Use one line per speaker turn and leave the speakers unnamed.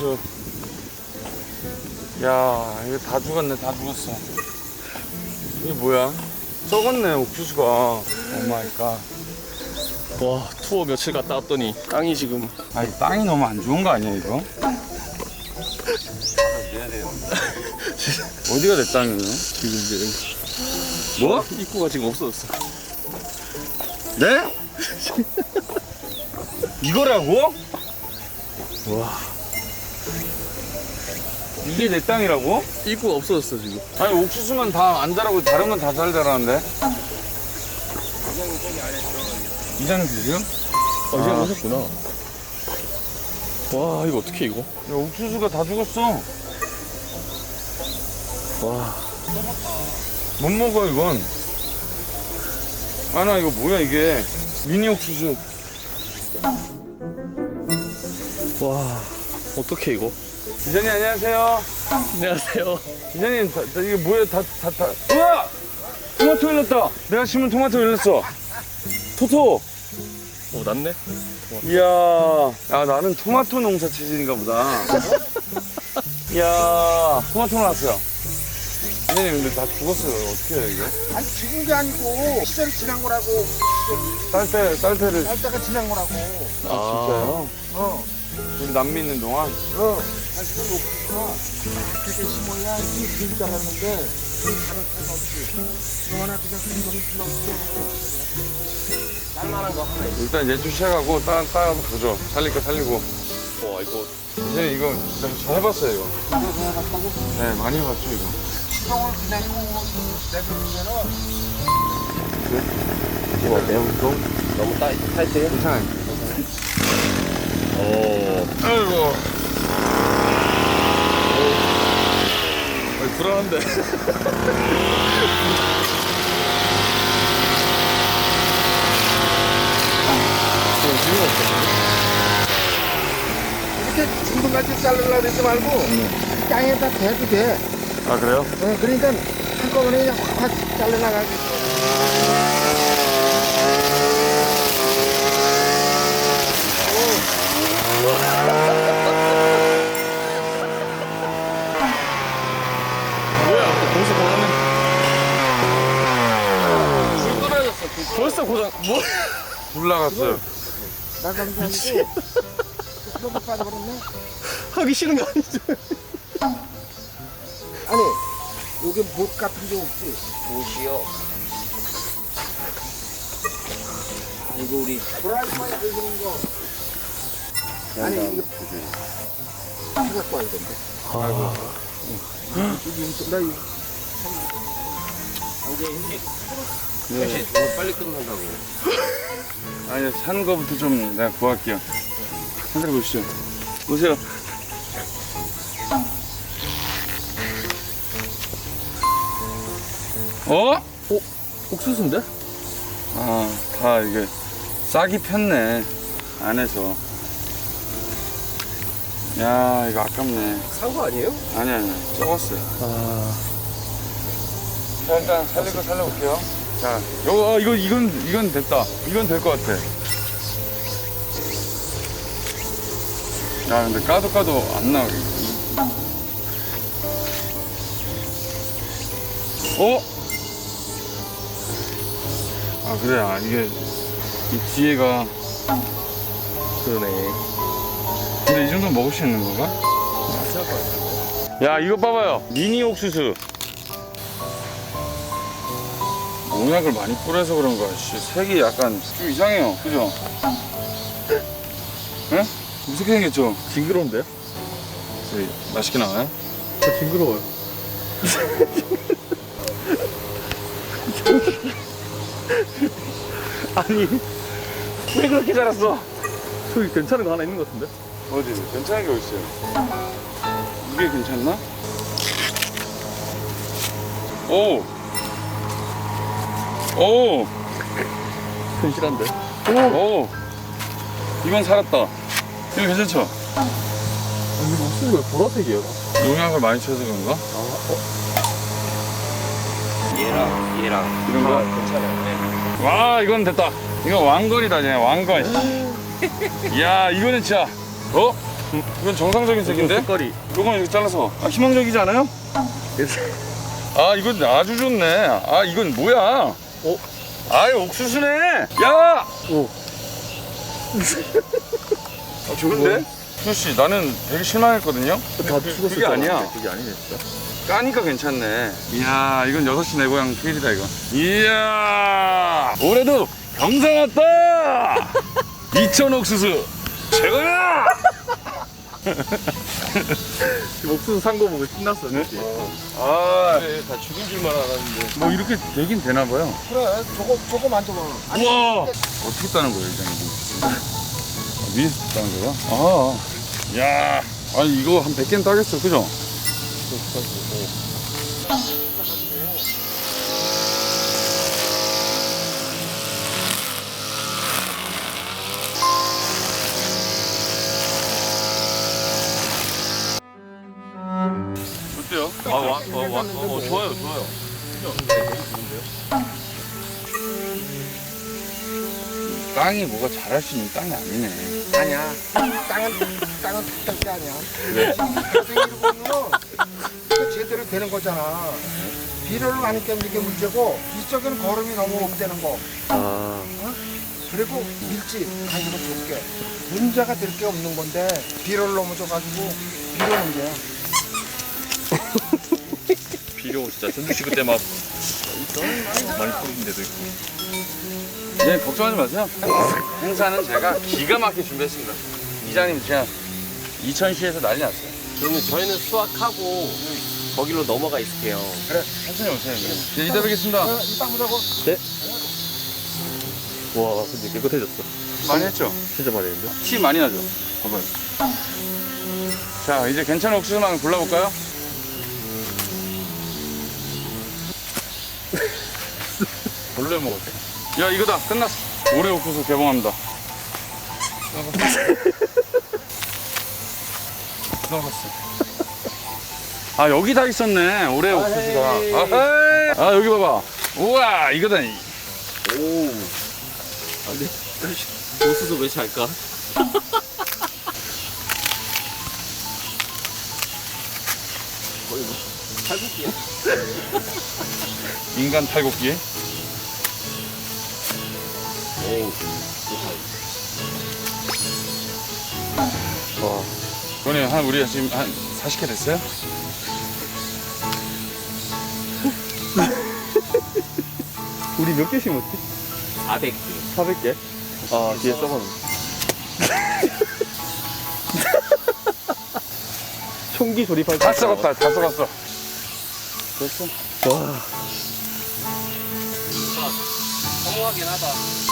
옥수수. 야, 이거 다 죽었네, 다 죽었어. 이게 뭐야? 썩었네, 옥수수가. 오 마이 갓.
와, 투어 며칠 갔다 왔더니 땅이 지금.
아니, 땅이 너무 안 좋은 거 아니야, 이거? 어디가 내 땅이에요?
지금 이제
뭐?
입구가 지금 없어졌어.
네? 이거라고?
와,
이게 내 땅이라고?
입구가 없어졌어 지금.
아니, 옥수수만 다 안 자라고 다른 건 다 잘 자라는데? 이장님 지금?
이제 오셨구나. 와, 이거 어떻게 이거?
야, 옥수수가 다 죽었어.
와,
못 먹어, 이건. 아, 나 이거 뭐야, 이게. 미니 옥수수.
와, 어떻게 이거?
기자님, 안녕하세요.
안녕하세요.
기자님, 이게 뭐야, 우와! 토마토 열렸다. 내가 심은 토마토 열렸어. 토토.
오, 낫네.
이야. 야, 나는 토마토 농사 체질인가 보다. 이야, 토마토 나왔어요. 기자님, 근데 다 죽었어요. 어떻게 해요, 이게?
아니 죽은 게 아니고 시절이 지난 거라고.
딸때를.
날 때가 지난 거라고.
진짜요? 우리 남미 있는 동안?
사실은 옥수수가 이렇게 심어야 이 길줄 알았는데 다른 데가 없지. 너 하나 그냥 금방금방
딸만한 거 하나 있어.
일단 예주 시작하고 따라서 보죠. 살릴 거 살리고.
와, 이거
이제 이거 잘 해봤어요, 이거.
해봤다고?
네, 많이 해봤죠, 이거.
시동을 그냥 내버리면은
이거 매운 거 너무 타이트해?
괜찮아요.
오,
아이고.
불안한데.
이렇게 중간까지 자르려고 그러지 말고 땅에다 대도 돼.
아, 그래요?
그러니까 한꺼번에 그냥 확 잘라나가게.
뭐야? 벌써 고장난. 불 떨어졌어. 벌써 고장. 뭐?
불 나갔어요.
나간 게 아니고 너무 빠져버렸네.
하기 싫은 거 아니죠?
아니 여기 못 같은 게 없지.
못이요. 이거 우리
프라이팬에 들리는 거. 아니 이거 갖고 와야 된대.
아,
여기 나 이거
역시 이거 빨리 끝난다고.
아니, 산 거부터 좀 내가 구할게요. 하늘에 보시죠. 보세요. 어?
옥수수인데?
아, 다 이게 싹이 폈네. 안에서. 야, 이거 아깝네.
산 거 아니에요?
아니, 썩었어요.
아,
자, 일단 살릴 거 살려볼게요. 자, 이건 됐다. 이건 될 것 같아. 야, 근데 까도 안 나오게. 어? 아, 그래. 아, 이게, 이 뒤에가.
그러네.
근데 이 정도면 먹을 수 있는 건가? 야, 이거 봐봐요. 미니 옥수수. 농약을 많이 뿌려서 그런가. 씨, 색이 약간 좀 이상해요. 그죠? 예? 무섭게 생겼죠?
징그러운데요?
맛있게 나와요?
저 징그러워요. 아니,
왜 그렇게 자랐어?
저기 괜찮은 거 하나 있는 것 같은데?
어디? 괜찮은 게 어딨어요? 이게 괜찮나? 오! 오!
근실한데?
오! 이건 살았다. 이거 괜찮죠?
아니, 이거 무슨 왜 보라색이에요?
농약을 많이 쳐서 그런가?
얘랑
이런 거?
괜찮아요. 네.
와, 이건 됐다. 이거 왕건이다, 그냥 왕건. 이야, 이거는 진짜. 어? 이건 정상적인 색인데?
색깔이.
이건 이렇게 잘라서. 아, 희망적이지 않아요? 아, 이건 아주 좋네. 아, 이건 뭐야? 아이, 옥수수네. 야!
오.
아, 좋은데? 수씨, 나는 되게 실망했거든요.
다 죽었을
그게 아니야.
그게 아니네 진짜.
까니까 괜찮네. 이야, 이건 6시 내 고향 필이다, 이거. 이야, 올해도 경상 왔다! 이천 옥수수, 최고야!
옥수수 산 거 보고 신났어. 네?
아,
다 죽은 줄만 알았는데.
뭐 이렇게 되긴 되나봐요.
그래, 저거 만져봐.
우와! 어떻게 따는 거예요, 일단 이거? 위에서 따는 거야? 아, 야, 아니, 이거 한 100개는 따겠어, 그죠? 어때요?
좋아요, 좋아요.
땅이 뭐가 잘할 수 있는 땅이 아니네.
아니야. 땅은 탁할 게 아니야.
왜?
자생이로 보면 제대로 되는 거잖아. 비료를 많이 껴는 게 문제고 이쪽에는 거름이 너무 없대는 거.
아.
그리고 밀집 가지고 줄게. 문제가 될 게 없는 건데 비료를 너무 줘가지고 비료 문제야.
비료 진짜 전주시 그때 막 많이 뿌린 데도 있고.
예, 걱정하지 마세요. 행사는 제가 기가 막히게 준비했습니다. 이장님 제가 이천시에서 난리 났어요.
그러면 저희는 수확하고 거기로 넘어가 있을게요.
그래, 천천히 오세요. 네, 이따 뵙겠습니다.
이땅 보자고.
와, 근데 깨끗해졌어.
많이 했죠?
진짜 많이 했는데?
티 많이 나죠? 봐봐요. 자, 이제 괜찮은 옥수수만 골라볼까요? 원래 먹었대. 야, 이거다. 끝났어. 올해 옥수수 개봉합니다. 들어갔어. 아, 여기 다 있었네. 올해 옥수수가. 아헤이. 아, 여기 봐봐. 우와, 이거다.
오. 아, 근데 옥수수 왜 잘까? 거의 뭐 탈북기야.
인간 탈곡기.
에이.
와. 그거네, 우리 지금 한 40개 됐어요?
우리 몇 개 심었지?
400개.
400개? 아, 뒤에 써봤네. 총기 조립할 때.
다 썩었다, 다 썩었어. 됐어.
와.
허무하긴 하다.